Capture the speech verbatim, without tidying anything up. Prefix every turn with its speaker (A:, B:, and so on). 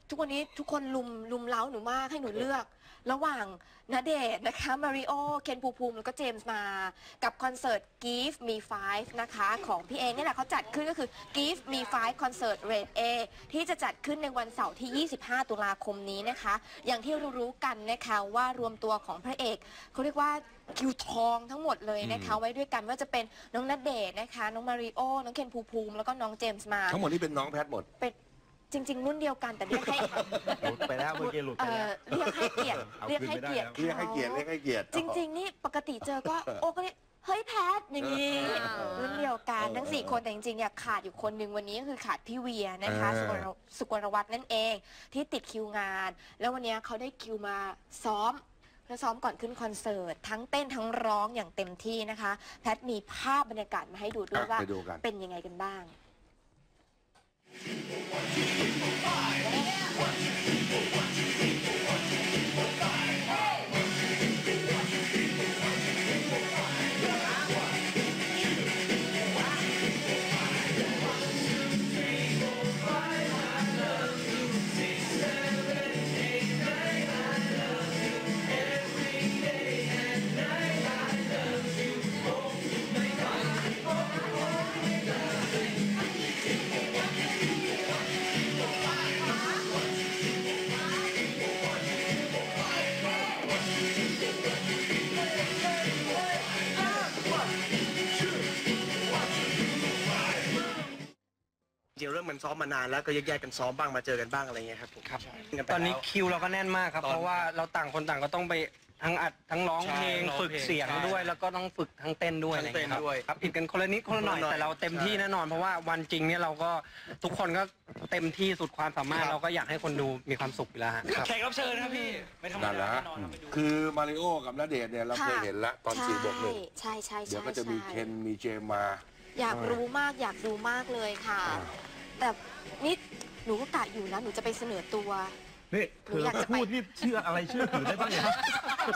A: ทุกวันนี้ทุกคนลุมลุมเล้าหนูมากให้หนูเลือก ระหว่างณเดชน์นะคะมาริโอเคนภูมิภูมิแล้วก็เจมส์มากับคอนเสิร์ต Give Me Five นะคะของพี่เองนี่แหละเขาจัดขึ้นก็คือ Give Me Five Concert Rate A ที่จะจัดขึ้นในวันเสาร์ที่ ยี่สิบห้า ตุลาคมนี้นะคะอย่างที่รู้ๆกันนะคะว่ารวมตัวของพระเอกเขาเรียกว่าคิวทองทั้งหมดเลยนะคะไว้ด้วยกันว่าจะเป็นน้องณเดชน์นะคะน้องมาริโอน้องเคนภูมิภูมิแล้วก็น้องเจมส์มา
B: ทั้งหมดนี่เป็นน้องแพทหมด
A: เป็นจริงๆรุ่นเดียวกันแต่เรียกให้
C: หลุดไปแล้วเมื่อกี้หลุดไปแล้ว
A: เรียกให้เกียรติเรียกให้เกียรติ
B: เรียกให้เกียรติเรียกให้เกียรติ
A: จริงๆนี่ปกติเจอก็โอ้ก็เรียกเฮ้ยแพทอย่างนี้รุ่นเดียวกันทั้งสี่คนแต่จริงๆเนี่ยขาดอยู่คนหนึ่งวันนี้ก็คือขาดพี่เวียนะคะสุกลวัฒน์นั่นเองที่ติดคิวงานแล้ววันนี้เขาได้คิวมาซ้อมแล้วซ้อมก่อนขึ้นคอนเสิร์ตทั้งเต้นทั้งร้องอย่างเต็มที่นะคะแพทมีภาพบรรยากาศมาให้ดูด้วยว่าเป็นยังไงกันบ้าง
D: จริงเรื่องมันซ้อมมานานแล้วก็แยกๆกันซ้อมบ้างมาเจอกันบ้างอะไรเงี้ยครับผม
E: ครับตอนนี้คิวเราก็แน่นมากครับเพราะว่าเราต่างคนต่างก็ต้องไปทั้งอัดทั้งร้องเพลงฝึกเสียงด้วยแล้วก็ต้องฝึกทั้งเต้นด้วยอะไรเงี้ยครับผิดกันคนละนิดคนละหน่อยแต่เราเต็มที่แน่นอนเพราะว่าวันจริงเนี่ยเราก็ทุกคนก็เต็มที่สุดความสามารถเราก็อยากให้คนดูมีความสุขอยู่แล้ว
C: แขกรับเชิญครับพี่ไม่ธรรมดาแน่นอน
B: คือมาริโอกับณเดชน์เนี่ยเราเคยเห็นแล้วตอนสี่บวกหนึ่ง
A: ใช่ใช่
B: เดี๋ยวก็จะมีเคนมีเจมมา
A: อยากรู้มากอยากดูมากเลยค่ะแต่นี่หนูก็กะอยู่นะหนูจะไปเสนอตัว
C: นี่เธอพูดนี่เชื่ออะไรเชื่อถือได้บ้างเนี่ย